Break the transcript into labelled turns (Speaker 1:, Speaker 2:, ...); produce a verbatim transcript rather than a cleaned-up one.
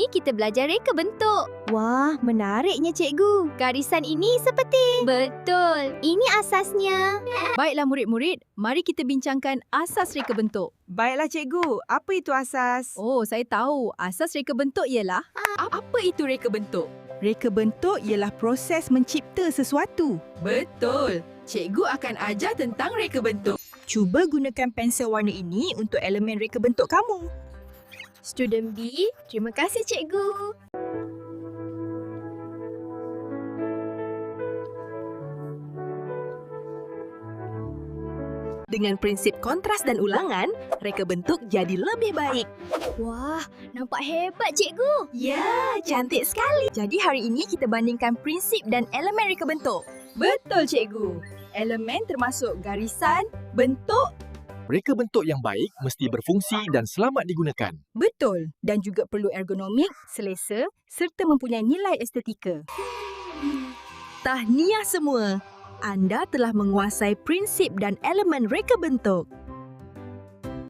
Speaker 1: ini kita belajar reka bentuk.
Speaker 2: Wah, menariknya cikgu.
Speaker 1: Garisan ini seperti... Betul. Ini asasnya.
Speaker 3: Baiklah murid-murid, mari kita bincangkan asas reka bentuk.
Speaker 2: Baiklah cikgu, apa itu asas?
Speaker 3: Oh, saya tahu. Asas reka bentuk ialah... Apa itu reka bentuk?
Speaker 4: Reka bentuk ialah proses mencipta sesuatu.
Speaker 3: Betul. Cikgu akan ajar tentang reka bentuk.
Speaker 4: Cuba gunakan pensel warna ini untuk elemen reka bentuk kamu.
Speaker 1: Student B, terima kasih cikgu.
Speaker 4: Dengan prinsip kontras dan ulangan, reka bentuk jadi lebih baik.
Speaker 1: Wah, nampak hebat cikgu.
Speaker 4: Ya, cantik sekali. Jadi hari ini kita bandingkan prinsip dan elemen reka bentuk.
Speaker 3: Betul cikgu. Elemen termasuk garisan, bentuk.
Speaker 5: Reka bentuk yang baik mesti berfungsi dan selamat digunakan.
Speaker 4: Betul. Dan juga perlu ergonomik, selesa serta mempunyai nilai estetika. Tahniah semua. Anda telah menguasai prinsip dan elemen reka bentuk.